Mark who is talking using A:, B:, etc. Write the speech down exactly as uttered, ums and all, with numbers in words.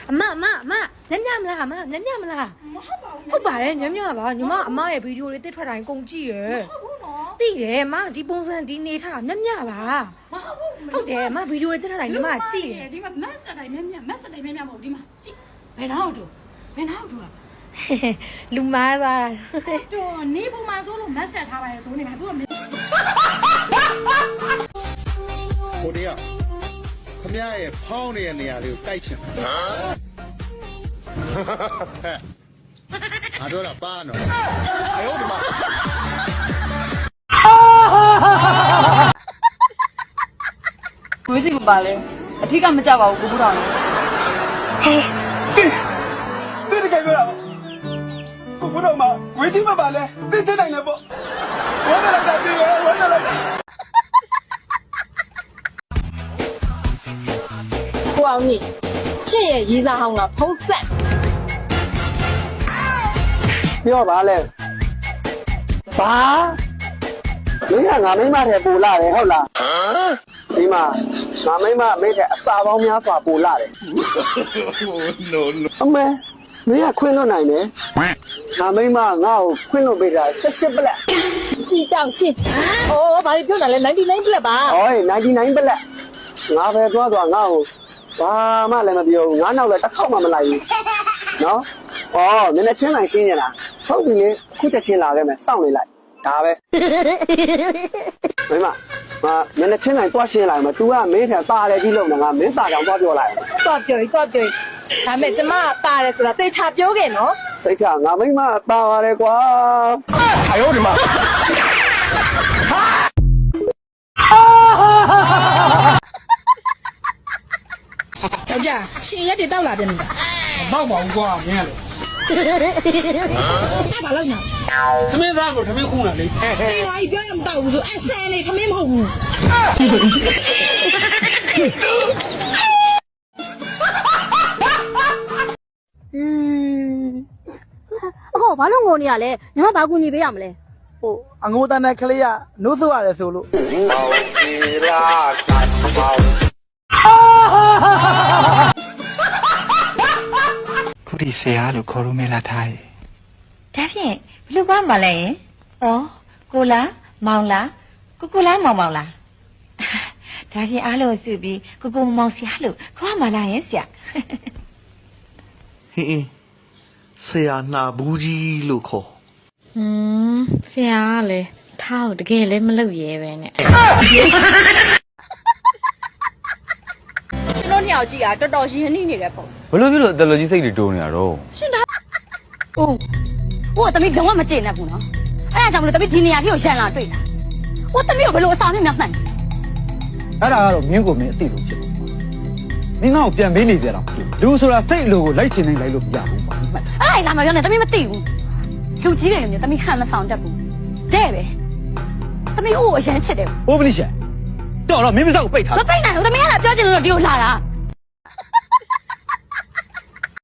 A: အမအမအမညံ့ညံ့မလားအမညံ့ညံ့မလားဟုတ်ပါတယ်ညံ့ညံ့ပါညီမအမရဲ့ဗီဒီယိုလေးတစ်ထွက်တိုင်းကုန်ကြည့်ရယ်သိတယ်အမဒီပုံစံဒီနေထားညံ့ညံ့ပါဟုတ်တယ်အမဗီဒီယိုလေးတစ်ထွက်တိုင်းညီမကြည့်တယ်
B: ဒီမှာမက်စတိုင်းမြမြမက်စတိုင်းမြမြမဟုတ်ဒီမှာကြည့်ဘယ်နောက်တို့ဘယ်နောက်တို့
A: လူမားသား
B: တို့နေပုံမှာဆိုလို့မက်ဆက်ထားပါရဲ့ဆိုနေမှာသူက
C: ကိုတည်းကခမရရဲ့ဖောင်းနေတဲ့နေရာလေးကိုတိုက်ချင်တယ်ဟဲ့အားတော့လားပါနော်အယောဒီမှာ
D: ဝေးစီမပါလဲအထီးကမကြပါဘူးကိုကူတော်လေ
E: တိတိကျပြောတာကိုဘုတော်မှာဝေးတိမပါလဲသိစတိုင်းလဲပေါ့ဝမ်းလာတာတည်းဝမ်းလာတာ
D: ကိုအောင်ကြီးရှင့်ရဲ့ရေးစားဟောင်းကဖုံးဆက်
E: ပြောပါလဲဘာမင်းကငါမိမထဲပူလာတယ်ဟုတ်လားဒီမှာငါမိမမိတဲ့အစာပေါင်းများစွာပူလာတယ်
C: no no
E: အမေမင်းကခွင့်လွတ်နိုင်တယ်ငါမိမငါ့ကိုခွင့်လွတ်ပေးတာ၁၈ပလက်
D: ကြည်တောင်ရှင်းအိုးဘာလို့ပြောတာလဲninety nineပြလက်ပါ
E: ဟောninety nineပလက်ငါပဲသွားသွားငါ့ကိုဘာမှလည်းမပြောဘူးငါနောက်လည်းတစ်ခေါက်မှမလိုက်ဘူးနော်ဩနည်းနည်းချင်းလိုက်ရှင်းရလားဟုတ်ပြီလေအခုချက်ချင်းလာခဲ့မယ်စောင့်နေလိုက်ဒါပဲမိမငါနည်းနည်းချင်းလိုက်တွားရှင်းလိုက်မှာ तू ကမင်းထံตาတယ်ပြီးလို့ငါမင်းตาကြောင်တွားပြောလိုက်
D: တော့ပြောရင်တော့ပြောရင်ဒါမဲ့ကျမကပါတယ်ဆိုတာသေချာပြောခဲ့နော်
E: စိတ်ချငါမိမตาပါတယ်ကွာအယောဒီမှာ
B: ယောက်ျားရှင်ရက်တွေတောက်လာပြန်နေတာ
F: မောက်ပါဘူးကွာမင်းကလေ
B: ဘာလို့ညာ
F: သမင်းသားကိုသမင်းခုလာလေ
B: တေးဝါကြီးပြောရမတောက်ဘူးဆိုအဆန်နေထမင်းမဟုတ်ဘူး
G: အခုဘာလို့ငိုနေရလဲညီမဘာကူညီပေးရမလဲ
E: ဟိုအငိုးတန်းတဲ့ကလေးကနိုးဆိုရတယ်ဆိုလို့
H: ခုဒီဆရာလို့ခေါ်လို့မလားထားရဲ့
A: ဒါဖြင့်ဘလူကမလဲရင်ဩကိုလားမောင်လားကိုကိုလားမောင်မောင်လားဒါဖြင့်အားလုံးစုပြီးကိုကိုမောင်ဆရာလို့ခေါ်မလားရင်ဆရာ
I: ဟင်းဆရာနှာဘူးကြီးလို့ခေါ်
G: ဟွန်းဆရာကလည်းထားကိုတကယ်လည်းမလုပ်ရဲပဲနဲ့
D: ကျွန်တော်ညောင်ကြည့်တာတော်တော်ရင်းနှီးနေတယ်ပေါ့
J: ဘလို့ဖြစ်လို့အတလူကြီးစိတ်တွေတိုးနေတာတော့
D: ရှင်ဒါဟုတ်ဟိုတမီးတော့မကျင်နဲ့ဘူးနော်အဲ့ဒါကြောင့်မလို့တမီးဒီနေရာထိကိုရှန်လာတွေ့တာဟိုတမီးကိုဘလို့အစာမြတ်မြတ်မှန်
E: အဲ့ဒါကတော့မင်းကိုမင်းအသိဆုံးဖြစ်မင်းငါ့ကိုပြန်ပေးနေကြတာလူဆိုတာစိတ်အလိုကိုလိုက်ချင်နေလိုက်လို့မရဘူးပါ
D: အဲ့ဒါလာမပြောနဲ့တမီးမသိဘူးလူကြီးတယ်မျိုးတမီးဟန်မဆောင်တတ်ဘူးတဲ့ပဲတမီးဟိုအရန်ချစ်တယ်
E: ဘိုးမလိရှာတော့တော့မင်းမစောက်ကိုပိတ်ထား
D: မပိတ်နိုင်ဘူးတမီးကလည်းပြောချင်လို့ဒီကိုလာတာ